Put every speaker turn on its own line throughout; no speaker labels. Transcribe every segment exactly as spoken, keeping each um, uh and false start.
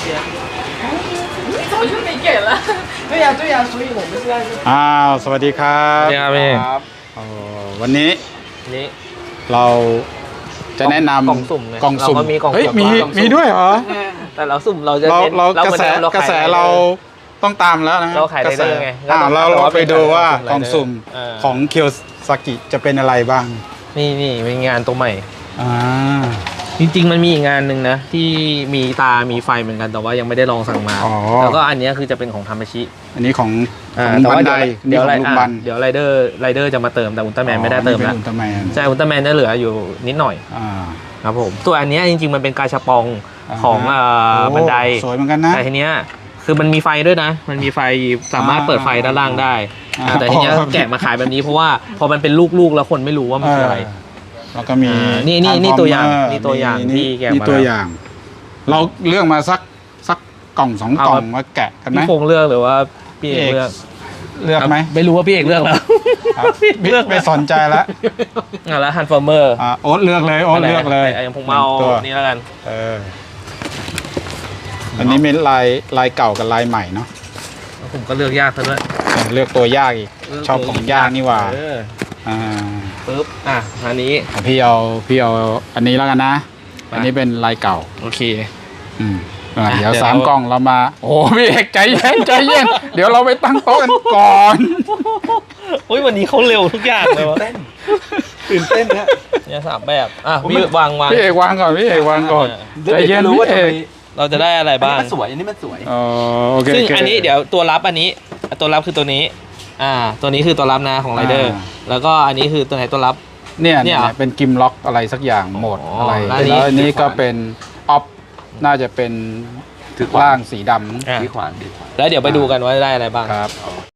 早就没给了。对呀对呀，所以我们现在是。
อ้าวสวัสดีครับ
สวัสดีครับพี่
โอ้วันนี้
นี่
เราจะแนะนำ
กล่องสุ่มไง
กล่องสุ่ม
เราก็มีกล่อง
เฮ้ย
สุ่ม
มี
กล่องสุ่ม
มีด้วยเหรอ
แต่เราสุ่มเราจะ
เรา
เน้น
เรากระแส
หมือน
กระแส
ขย
เราต้องตามแล้วนะ
เราขาย
กระแส
ไรเดอร์ไง
อ่า
ก็ต้อง
เรา
แต่
เรา
ว่า
ไปดูว่า
เป็น
กล่องสุ่ม
เออ
ของเคียวซากิจะเป็นอะไรบ้าง
นี่นี่เป็นงานตัวใหม่
อ่า
จริงๆมันมีอีกงานหนึ่งนะที่มีตามีไฟเหมือนกันแต่ว่ายังไม่ได้ลองสั่งมา
อ๋อ
แล้วก็อันเนี้ยคือจะเป็นของทามาชิ
อันนี้ของข
อ่า
อง
แต่
บั
ว่าน
ได
เดี๋ยว
นี่
เดี๋ยว
ของลุงบัน
เดี๋ยวไรเดอร์ไรเดอร์จะมาเติมแต่อุลตร้าแมนไม่ได้เติม
อ๋อ
แล้ว
นี่เป็นอุลตร้าแมน
ใช่อุลตร้าแมนจะเหลืออยู่นิดหน่อย
อ่า
ครับผมตัวอันเนี้ยจริงๆมันเป็นกาชาปองของเอ่อ
โอ้
บันได
สวยเหมือนกันนะ
แต่ทีเนี้ยคือมันมีไฟด้วยนะ มันมีไฟสามารถเปิดไฟด้านล่างได้
อ่า
อ่าแต่ทีเนี้ย
อ๋อ
แกะมาขายแบบนี้เพราะว่าพอมันเป็นลูกๆแล้วคนไม่รู้ว่ามันคืออะไร
เออแล้วก็มี
อ่านี่นี่นี่ตัวอย่างนี่ตัวอย่าง
มี
ที่แกะมา
นี่ตัวอย่าง เราเลือกมาสักสักกล่องสองกล่องมาแกะกันไหม
พี่คงเลือกหรือว่าพี่เอกเลือก
เลือกไหม
ไม่รู้ว่าพี่เอกเลือกแล้ว
ครับไม่ไม่สนใจแล้ว
อ่ะแล้วฮันฟอร์เมอร์
อ่าโอ๊ตเลือกเลยโอ๊ตเลือกเลย
อย่างผมเอา
ตัว
นี่แล้วกัน
เอออันนี้เป็นลายลายเก่ากับลายใหม่เนาะ
ผมก็เลือกยากซะด้วย
เลือกตัวยากอีกชอบของยากนี่หว่า
เออ
อ่า
ปึ๊บอ่ะอันนี้
พี่เอาพี่เอาอันนี้แล้วกันนะ อันนี้เป็นลายเก่า
โอเค
อืมอ่ะ
อ่ะ
เดี๋ยว
เดี๋ยว
สาม
เรา
กล่องเรามา โอ้พี่เอกใจเย็นใจเย็นเดี๋ยวเราไปตั้งโต๊ะกันก่อน
โอ้ยวันนี้เขาเร็วทุกอย่างเลยวะ
ตื่นเต้นนะ
เนี่ยสามแบบอ่ะพี่วางวาง
พี่เอกวางก่อนพี่เอกวางก่อนใจเย็น
รู้
พี่
ว่า
เอ
ทำไม
ก
เราจะได้อะไร
อัน
บ้า
นี้
ง
มันสวยอันนี้มันสวย
อ๋อโอเค
ซึ่ง
โค
อันนี้เดี๋ยวตัวรับอันนี้ตัวรับคือตัวนี้ อ่า ตัวนี้คือตัวรับนะของไรเดอร์
อ่า
แล้วก็อันนี้คือตัวไหนตัวรับ
เนี่ย
เนี่
เนี่ย ย
เหรอ
เป็นกิมล็อกอะไรสักอย่างโหมด
อ๋อ
อะไร
แล้วอันนี้
แล้วอันนี้ก็เป็นออฟน่าจะเป็น
ถือขวาน
ล่างสีดำ
อ่ะ
ดีขวานดีขวาน
แล้วเดี๋ยวไปดูกันว่าได้อะไรบ้าง
ครับ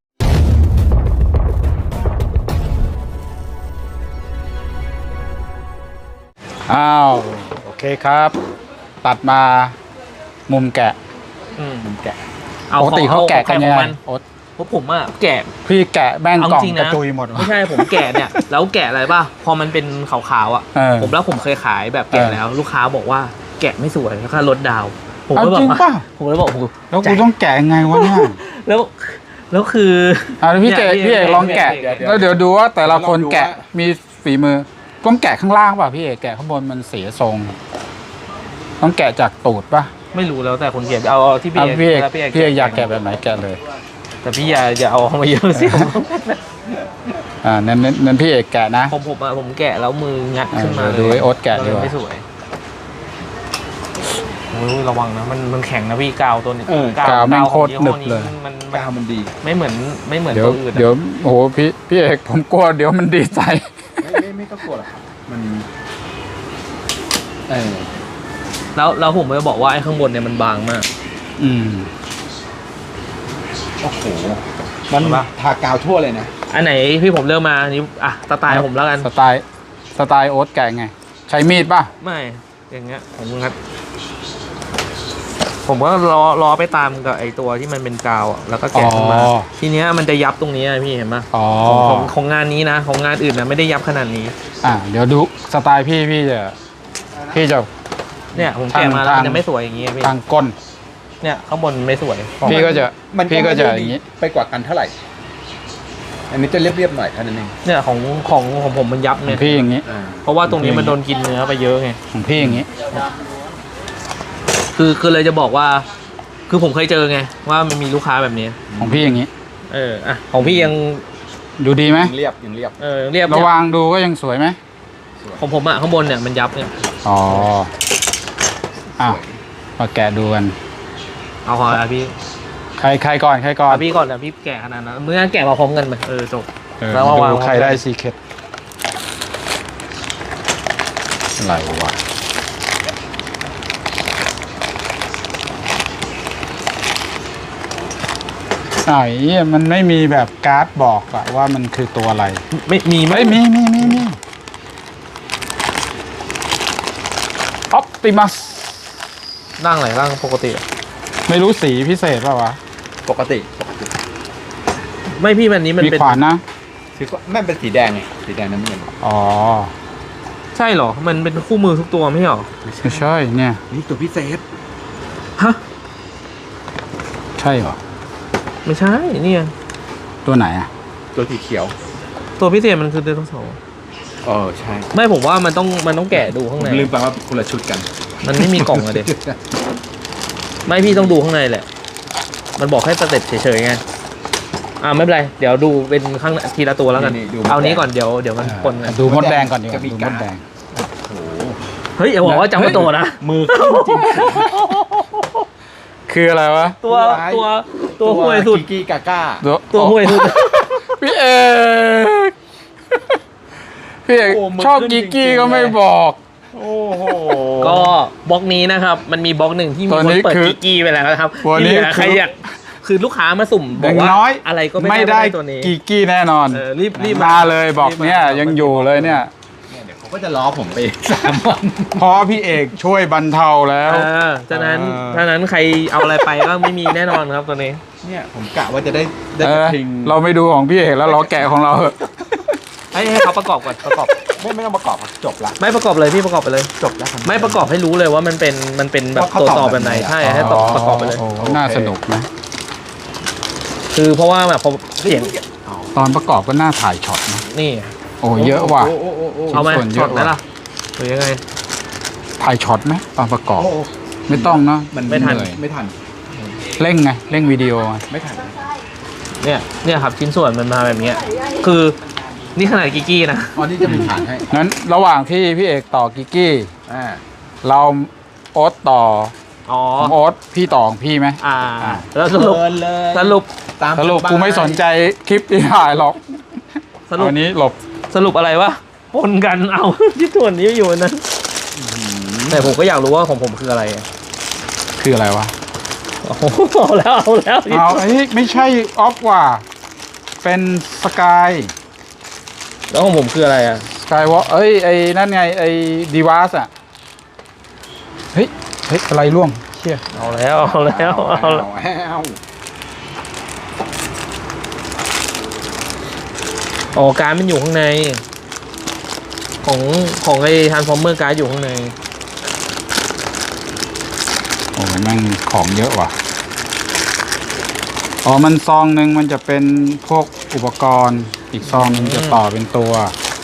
อ้าวโอเคครับ ตัดมามุมแกะ
อืม
มุมแกะ
เอา
ปกติเขาแกะกันยัง
ข
ไง
องมัน
โอ๊ต
เพราะผมอะแกะ
พี่แกะแม่ง
เอา
กล่อง
จริง
ก
นะ
ระจุยหมดวะ
ไม่ใช่ผมแกะเนี่ย แล้วแกะอะไรป่ะพอมันเป็นขาวๆอ่ะ
เออ
ผมแล้วผมเคยขายแบบแกะ
เออ
แล้ว ลูกค้าบอกว่าแกะไม่สวยแล้วก็ลดดาวผม
เอา
ก็บอ
จริ
ก
ง
ว่า
ป่ะ
ผมเลยบอกโอ้โห
แล้วกูต้องแกะยังไงวะเนี่ย
แล้วแล้วคือ
อ่ะแล้วพี่เจ
นี่ย
พี่เอกลองแกะ
พี่เอก
แล้วเดี๋ยวดูว่าแต่ละคนแกะมีฝีมือต้องแกะข้างล่างป่ะพี่เอกแกะข้างบนมันเสียทรง ต้องแกะจากตูดป่ะ
ไม่รู้แล้วแต่คนแกะเอาเอาที่พี่
อ่ะ
เอก
พี่เอก
แล้ว
พี่เอกอยากแกะแบบไหนแกะเลย
แต่พี่อย่าอย่าเอามาเยอะสิ
อ่านั้นนั้นนั้นพี่เอกแกะนะ
ผมผมอะผมแกะแล้วมืองัดขึ้นมา
เออดูไอ้โอ๊ตแกะดีกว่า
ไม่สวยโอ้ยระวังนะมันมันแข็งนะพี่กาวตัวนี้
เออก
าวแม่งโคตร
ของ
หนึ
ยี่
บ
ห้อ
เลย
มันมัน
กาวมันดี
ไม่เหมือนไม่เหมือน
เดี๋ยว
ตัวอื่นอะ
เดี๋ยวโอ้โหพี่พี่เอกผมกลัวเดี๋ยวมันดีใจ
ไม่ไม่ไม่ต้องกลัวหรอกครับมันเออ
แล้วแล้วผมจะบอกว่าไอ้ข้างบนเนี่ยมันบางมาก
อืม
โอ้โหมัน
เห็นปะ
ทากาวทั่วเลยนะ
อันไหนพี่ผมเลือกมาอันนี้อ่ะสไตล์ผมแล้วกัน
สไตล์สไตล์โอ๊ตแกะไง ใช้มีดป่ะ
ไม่อย่างเงี้ยผมครับผมก็รอรอไปตามกับไอ้ตัวที่มันเป็นกาวอะแล้วก็แกะขึ้นมา
อ๋อ
ทีเนี้ยมันจะยับตรงนี้อะพี่เห็นปะ
อ๋อ
ของของของงานนี้นะ ของงานอื่นนะไม่ได้ยับขนาดนี้
อ่าเดี๋ยวดูสไตล์พี่พี่จะพี่จะ
เนี่ยผมแกะมาแล้ว
ทาง
มันจะไม่สวยอย่างงี้อะพี่
ทางก้น
เนี่ยข้างบนไม่สวย
พี่ก็จะ
มัน
พี่ก็จะ
ไม่ได้
อย่างนี้
ไปกว่ากันเท่าไหร่ อันนี้จะเรียบๆหน่อยเท่านั้นเอง
เนี่ยของของของผมมันยับ
ขอ
เนี่
ง
ย
พี่อย่างนี้
อ่า
เพราะว่าตรงนี้มันโดนกินเนื้อไปเยอะไง
ของพี่อย่างนี้
คือคือเลยจะบอกว่า คือผมเคยเจอไงว่ามันมีลูกค้าแบบนี้
ของพี่อย่างนี้
เอออ่ะของพี่ยัง
ดูดีไหม
ยังเรียบยังเรียบ
เออเรียบ
ระ
เนี่ย
วางดูก็ยังสวยไหม
ของผมอะข้างบนเนี่ยมันยับเนี่ย
อ๋ออ้าวมาแกะดูกัน
เอาขออ่ะพี่
ใครใครก่อนใครก่อน
เอาพี่ก่อนนะพี่แกะขนาดนั้นเมื่อแกะมาพร้อมกันไหมเออจบ
เออ
แล้วมาวาง
ดูใครได้ซีเคร็ตอะไรวะไอ้เหี้ยมันไม่มีแบบการ์ดบอกอะว่ามันคือตัวอะไร
ไม่มีไหม
ไม่มีมีมีมีออปติมัส
ร่างไหนร่างปกติอะ
ไม่รู้สีพิเศษป่าวะ
ปกติปกติ
ไม่พี่มันนี้มัน
มี
เป็น
ขวานนะ
คือไม่เป็นสีแดงไงสีแดงน้ำเงิน
อ๋อ
ใช่เหรอมันเป็นคู่มือทุกตัวไม่ใช่เหรอ
ไม่ใช่เนี่ย
นี่ตัวพิเศษ
ฮะ
ใช่เหรอ
ไม่ใช่เนี่ย
ตัวไหนอ่ะ
ตัวสีเขียว
ตัวพิเศษมันคือไดโนเสาร์
เออใช่
ไม่ผมว่ามันต้องมันต้องแกะดูข้าง
ผม
ใน
ลืมไปว่าคนละชุดกัน
มันไม่มีกล่องอะเด็กไม่พี่ต้องดูข้างในแหละ มันบอกให้สเต็ปเฉยๆไงอ่าไม่เป็นไรเดี๋ยวดูเป็นข้างทีละตัวแล้วกัน
นี่ๆดู
เอานี้ก่อนเดี๋ยวเดี๋ยวมันปนกัน
ดูมดแดงก่อนดีกว่า
จะมี
ดูม
การ์
ด
ด
แดง
โอ้โห
เฮ้ยอย่าบอกว่าจำไม่ตัวนะ
มือขึ้นจริง
คืออะไรวะ
ตัวตัวตัวห่วยสุด
กิกี้กาก้า
ตัว
ตัวห่วยสุด
พี่เอกพี่เอก
โอ้มือ
ชอบ
ขึ้น
กิกกี้
จริงๆ
ก็ไม่
เลย
บอก
โอ้โห
ก็บล็อกนี้นะครับ มันมีบล็อกหนึ่งที่มี
ตัว
คน
นี้
เปิด
คือ
กิกกี้ไปแล้วนะครับ
ตัวนี้
ที่เหลือใคร
คือ
อยากคือลูกค้ามาสุ่มบ
อ
อก
ย่าง
ว่า
น้อย
อะไรก็ไม่
ไม่
ได้
ได้
ตัวนี้
กิกกี้แน่นอน
เออรีบรีบ
มาเลยบอก
รีบมา
เนี่ยยังอยู่เลยเนี่ย
เนี่ยเดี๋ยวเขาก็จะล้อผมไปอีกสามวัน
เพราะพี่เอกช่วยบรรเทาแล้ว
เออฉะนั้น
เออ
ฉะนั้นใครเอาอะไรไปก็ไม่มีแน่นอนครับตัวนี้
เนี่ยผมกะว่าจะได้ได้
เอก
ระ
อ
ทิง
เราไม่ดูของพี่เอกแล้วเราแกะของเราเถอะ
ให้ให้เขาประกอบก่อนประกอบ
ไม่ไม่ต้องประกอบครับจบละ
ไม่ประกอบเลยพี่ประกอบไปเลย
จบแล้วครับ
ไม่ประกอบให้รู้เลยว่ามันเป็นมันเป็นแบบ
ว่าเขา
ตัว
ตอบ
ต่อแบบไหน
แบบไหนอะ
ใช่ให้ตอบประกอบไปเลย
โอ้โหน่าสนุกนะ
คือเพราะว่าแบบพอเสียง
ตอนประกอบก็น่าถ่ายช็อตนะ
นี่
โอ้เยอะว่ะ
โอ้โอ้โอ้โอ้
เอาไหม
ส่วนเยอะ
ช็อตไหม
ว่ะ
ล่ะหรือยังไง
ถ่ายช็อตไหมตอนประกอบ
โอ้โอ้
ไม่ต้องเนาะ
มัน
ไม่ทัน
เหนื่อย
ไม่ทัน
เร่งไงเร่งวิดีโอไง
ไม่ทัน
เนี่ยเนี่ยครับชิ้นส่วนมันมาแบบเนี้ยคือนี่ขนาดกิกกี้นะ
อ๋อนี่จะมีฐานให้
งั้นระหว่างที่พี่เอกต่อกิกกี้
อ่า
เราโอ๊ตต่อ
อ๋อ
ของโอ๊ตพี่ต่อของพี่ไหม
อ่า
อ่า
แล้วสรุป
เชิญเลย
สรุป
ตาม
สรุป
บาย
กูไม่สนใจคลิปที่ถ่ายหรอก
สรุป
วันนี้หลบ
สรุปอะไรวะปนกันเอา ที่ส่วนนี้อยู่นั้น แต่ผมก็อยากรู้ว่าของผมคืออะไรอะ
คืออะไรวะ
โอ้โหเอาแล้วเอาแล้ว
เอาไอ้ยไม่ใช่ออฟว่ะเป็นสกาย
แล้วของผมคืออะไรอ่ะ
สกายวอล์เอ้ยไอ้นั่นไงไอ้ดีวาสอ่ะเฮ้ยเฮ้ยอะไรร่วงเชี่ย
เอาแล้วเอาแล้วเอาแล้ว
เอา
อ๋อการดมันอยู่ข้างใน ของของไอ้ทรานส์ฟอร์เมอร์การ์ดอยู่ข้างใน
โอ้ยแม่งของเยอะว่ะอ๋อมันซองหนึ่งมันจะเป็นพวกอุปกรณ์ อีกซองหนึงจะต่อเป็นตัว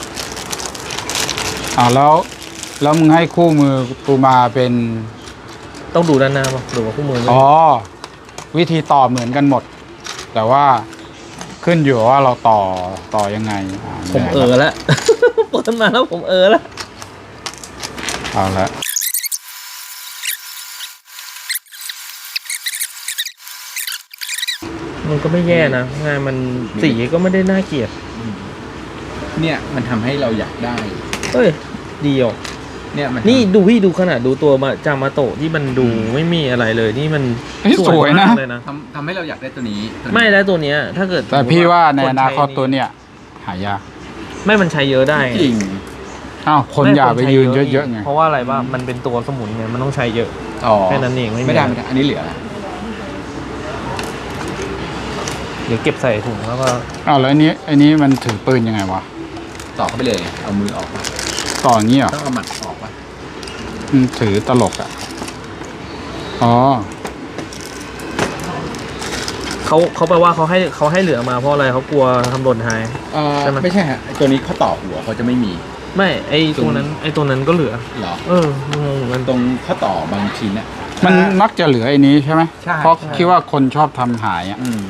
อ่าแล้วแล้วมึงให้คู่มือกูมาเป็น
ต้องดูด้านหน้าป่ะดูว่าคู่มือไหม
อ๋อวิธีต่อเหมือนกันหมด แต่ว่าขึ้นอยู่ว่าเราต่อต่อยังไงอ่า
ผมเออแล้ว เปิดมาแล้วผมเออแล้ว
เอาละ
มันก็ไม่แย่นะงานมันสีก็ไม่ได้น่าเกลียด
เนี่ยมันทำให้เราอยากได้
เฮ้ยดีอ่ะ
เนี่ยมัน
นี่ดูพี่ดูขนาดดูตัวมาจามาโตะที่มันดูไม่มีอะไรเลยนี่มัน
เฮ้ยสวยนะ
มากเลยนะ
ทำทำให้เราอยากได้ตัวนี้ตัวนี้
ไม่แล้วตัวเนี้ย ถ้าเกิด
แต่พี่ว่าในอนาคต
ใช้
ตัวเนี้ยหายาก
ไม่มันใช้เยอะได้ไง
จริง
อ้าวคน
ม่
อย่าไป
ใช้
ยืนเยอะๆไง
เพราะว่าอะไรว่ามันเป็นตัวสมุนไงมันต้องใช้เยอะ
อ๋อ
แค่นั้นเองไม่มี
ไม่ได้ไม่ได้อันนี้เหลือ
เดี๋ยวเก็บใส่ถุงแล้วก็
อ้าวแล้วอันนี้อันนี้มันถือปืนยังไงวะ
ต่อเข้าไปเลยเอามือออกมา
ต่ออย่างนี้เหรอ
ต้องเอาหมัดออกปะ
มันถือตลกอ่ะอ๋อ
เขาเขาแปลว่าเขาให้เขาให้เหลือมาเพราะอะไรเขากลัวทำหล่นหาย
เอ่อ
ใช่ไหม
ไม่ใช่ฮะไอ้ตัวนี้เขาต่อหัวเขาจะไม่มี
ไม่ไอตัวนั้นไอตัวนั้นก็เหลือ
เหรอ
เอองงเหมือนกัน
ตรงข้อต่อบางชิ้นเนี่ย
มันมักจะเหลือไอ้นี้ใช่ไหม
ใช่
เพราะ
ใช่
คิดว่าคนชอบทำหายอ่ะ
อืม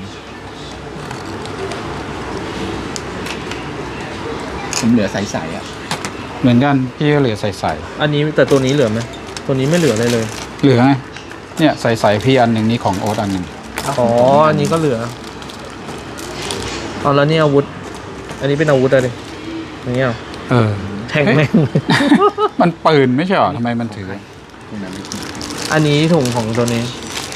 ผมเหลือใสๆอ่ะ
เหมือนกันพี่ก็เหลือใส่
อันนี้แต่ตัวนี้เหลือไหมตัวนี้ไม่เหลือเลยเลย
ๆเหลือไงเนี่ยใส่ๆพี่อันหนึ่งนี่ของโอ๊ตอันหนึ่ง
อ๋ออันนี้ก็เหลือเอาแล้วนี่อาวุธ อันนี้เป็นอาวุธอะไรอย่างเงี้ยเหรอ
เออ
แทงแม่ง
มันปืนไม่ใช่เหรอทำไมมันถือ
ตรงนั้นไม่มี
อันนี้ถุงของตัวนี้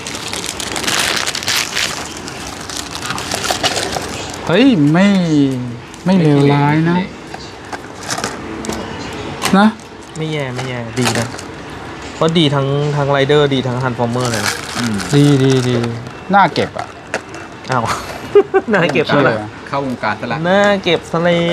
เฮ้ยไม่ไม่เลวร้ายนะ นะ
ไม่แย่ไม่แย่ดีนะเพราะดีทั้งทั้งไรเดอร์ดีทั้งฮันฟอร์เมอร์เลยนะ
อืม
ดีดีดีน่าเก็บอ่ะ
อ้าว น่าเก็บ
ใช่
ซะ
เล
แล้ว
ย
เข้าวงการซะละ
น่าเก็บซะแล้ว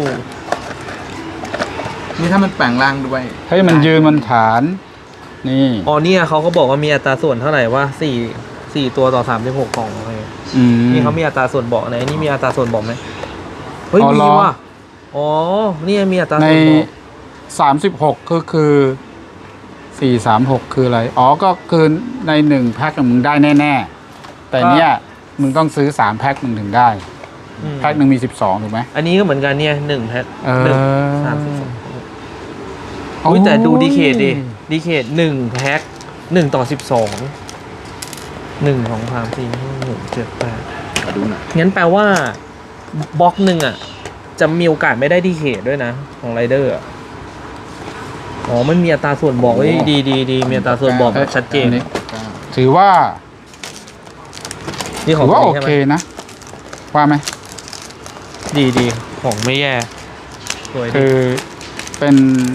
นี่ถ้ามันแปลงร่างด้วย
เฮ้ยมันยืนมันฐาน นี่
อ๋อเนี่ยเขาก็บอกว่ามีอัตราส่วนเท่าไหร่ว่าสี่สี่ตัวต่อสามสิบหกกล่องโอเค
อืม
นี่เขามีอัตราส่วนบอกไหนนี่มีอัตราส่วนบอกไหมเฮ้ย
อ๋อ
มี
เหรอ
ว่ะอ๋อนี่มีอัตรา
ใน
ส่วนบอก
สามสิบหกก็คือสี่สามหกคืออะไร อ๋อ ก็คือในหนึ่งแพ็คมึงได้แน่ๆ แต่เนี้ยมึงต้องซื้อสามแพ็คมึงถึงได้
อืม
แพ็คหนึ่งมีสิบสองถูกไหม
อันนี้ก็เหมือนกันเนี่ยหนึ่งแพ็ค
เออ
หนึ่งสามสิบสองอุ้ยแต่ดูดีเคดิดีเคดหนึ่งแพ็คหนึ่งต่อสิบสองหนึ่งสองสามสี่ห้าหกเจ็ดแปด
มาดูหน่อย
งั้นแปลว่าบล็อกหนึ่งอ่ะ จะมีโอกาสไม่ได้ดีเคดด้วยนะ ของไรเดอร์อะอ๋อมันมีอัตราส่วนบอกไว้ยดีดีดีมีอัตราส่วนบอกแบบชัดเจน
อันี้ถือว่า
นี่ขอ
ถื
ง
อว่า
ตัว
โอ
นี้ใช่ไห
เค
ม
นะ ว่าไหม
ดีดีของไม่แย่สวยดี
คือเป็น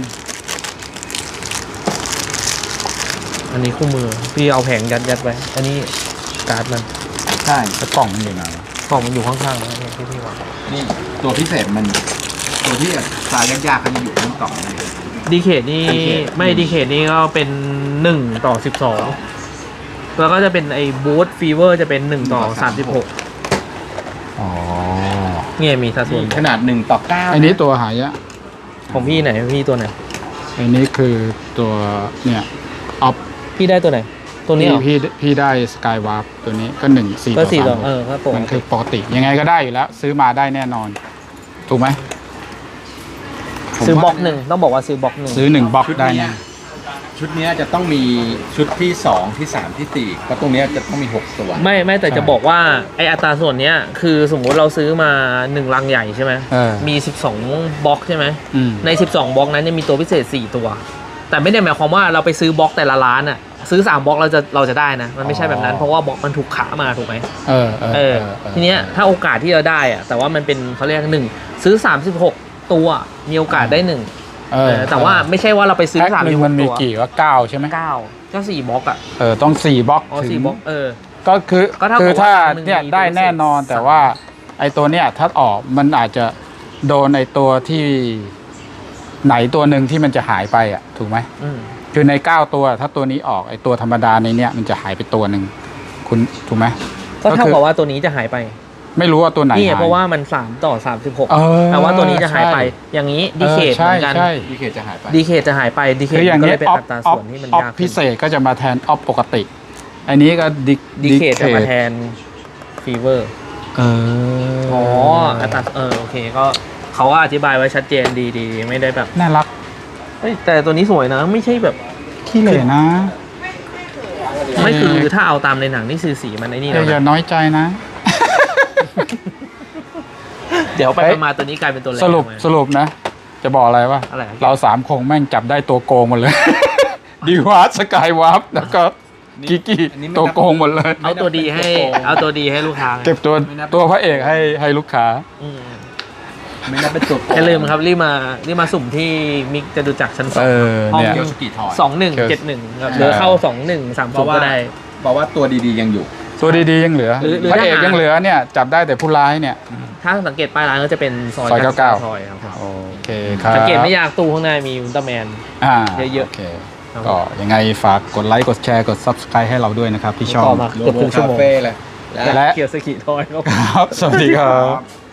อันนี้คู่มือ พี่เอาแผงยัดยัดไว้ อันนี้การ์ดมัน
ใช่
กระกล่องมันอยู่ไหนวะ
กล่องมันอยู่ข้างๆนะที่พี่วาง
นี่ตัวพิเศษมัน ตัวที่ตายยากๆเขาจะอยู่ข้างกล่องนี่
ดีเคดนี่
ดีเคด
ไม่ดีเคดนี่ก็เป็นหนึ่งต่อสิบสองแล้วก็จะเป็นไอ้บูทฟีเวอร์จะเป็นหนึ่งต่อสามสิบหก
อ๋อ
เนี่ยมีสัดส่วน
ขนาดหนึ่งต่อเก้า
อันนี้ตัวหายะ
ของพี่ไหนพี่ตัวไหน
อันนี้คือตัวเนี่ยออฟ
พี่ได้ตัวไหน ตัวนี้เหรอ
พี่พี่ได้สกายวาร์ปตัวนี้ก็หนึ่งสี่
ก็
ต่อ
สี่ต่อ
สาม
เออครับผม
มันคือปกติยังไงก็ได้อยู่แล้ว ซื้อมาได้แน่นอน ถูกไหม
ซื้อบล็อกหนึ่งต้องบอกว่าซื้อบล็อกหนึ่ง
ซื้อหนึ่งบล็อกได้
เนี้
แน่
ยชุดเนี้ยจะต้องมีชุดที่สองที่สามที่สี่เพราะตรงเนี้ยจะต้องมีหกตัว
ไม่ไม่แต่จะบอกว่าไออัตราส่วนเนี้ยคือสมมุติเราซื้อมาหนึ่งลังใหญ่ใช่ไหม
เออ
มีสิบสองบล็อกใช่ไหม
อืม
ในสิบสองบล็อกนั้นจะมีตัวพิเศษสี่ตัว แต่ไม่ได้หมายความว่าเราไปซื้อบล็อกแต่ละร้านอ่ะซื้อสามบล็อกเราจะเราจะได้นะมันไม่ใช่แบบนั้นเพราะว่าบล็อกมันถูกขามาถูกไหม
เออเออ
เอ
เอ
อ
อเออ
ทีเนี้ยถ้าโอกาสที่เราได้อะแต่ว่ามันเป็นเขาเรียกหนึ่งซื้อสามสิบหกตัวมีโอกาสได้หนึ่ง
เอ
เอ
อ
อแต่ว่าไม่ใช่ว่าเราไปซื้อ
แพ็ค
สาม
ห
สิ
นึ่
บ
ง
ห
มัน
ก
มี
ตัว
กี่ว่าเก้าใช่ไหม
เก้าก็สี่บล็อกอ่ะ
เออต้องสี่บล็อก
อ๋อ
ถึ
สี่
ง
บล็อกเออ
ก็คือ
ก็เท่ากับ
คือถ้า
ว่าหนึ่ง
เนี่ย
มี
ได้
ตัวพิเศษ
แน่นอนแต่ว่า ไอตัวเนี้ยถ้าออกมันอาจจะโดนไอตัวที่ไหนตัวหนึ่งที่มันจะหายไปอ่ะถูกไหม
อืม
คือในเก้าตัวถ้าตัวนี้ออกไอตัวธรรมดาในเนี้ยมันจะหายไปตัวหนึ่งคุณถูกไหม
ก็เท่า
ก็คือ
กับว่าตัวนี้จะหายไป
ไม่รู้ว่าตัวไหน
นี่ไง
หาย
เพราะว่ามันสามต่อสามสิบหก
เออ
แต่ว่าตัวนี้จะหายไป
ใช่
อย่างนี้ดีเคท
ออ
เหมือนกัน
ใช่
ดีเคจะหายไป
ดีเคทจะหายไปดีเคท
คืออย่าง
ก็
นี้
เลยเป็น
ออฟ
อัตรา
ออฟ
ส่วนที่มัน
ออฟ
ยากขึ้น
พิเศษก็จะมาแทนออฟปกติ อันนี้ก็ดิ
ดีเคทจะมาแทนฟีเวอร์
เออ
อ๋ออัตราเออโอเคก็เขาก็อธิบายไว้ชัดเจนดีดีไม่ได้แบบ
น่ารัก
เฮ้ยแต่ตัวนี้สวยนะ ไม่ใช่แบบ
ขี้เหร่นะ
ไม่คือถ้าเอาตามในหนังนี่คือสีมันไอ้นี่
อ
แล้
ย่าว อย่า
นะ
น้อยใจนะ
เดี๋ยวไป
เฮ้ย
มาตัวนี้กลายเป็นตัวแรก
สรุป
มา
สรุปนะ จะบอกอะไรวะ
อะไร
เราสามคงแม่งจับได้ตัวโกงหมดเลย ดีวาร์สกายวาร์ปแล้วก็กิกกี้
อันนี้ไม่นับ
ตัวโกงหมดเลย
เอาตัวดีให้เอาตัวดีให้ลูกค้า
เก็บตัวตัวพระเอกให้ให้ลูกค้า
อืม
ไม่นับเป็นตัวโกง
อย่าลืมครับรีบมารีบมาสุ่มที่มิกจะดูจักชั้นสอ
เอง อเนี่ย
เกียวสกีทอย
สองหนึ่งเจ็ดหนึ่งหรือเข้าสองหนึ่งสาม
เพ
ศูน
ราะ
ย์
ว่า
ก็ได้
บอกว่าตัวดีๆยังอยู่
ตัวดีๆยังเหลือ
หรือหรือ
พระเอก
ถ้าหายั
ยังเหลือเนี่ย จับได้แต่ผู้ร้ายเนี่ย
ถ้าสังเกตป้ายร้านก็จะเป็นซอย
ซอยเก้าเก้า
ซอยครับ
โอเคครับ
สังเกตไม่ยากตู้ข้างหน้ามีอุลตร้าแมน
อ่า
เยอะๆ
โอเคก็ยังไงฝากกดไลค์กดแชร์กด ซับสไครบ์ ให้เราด้วยนะครับที่ช่อง
ต่อมาเกือบครึ่งชั่วโมง
โลโก้คาเฟ่เลย
และ
และ
เกียร์สกิทอยครับ
ครับ สวัสดีครับ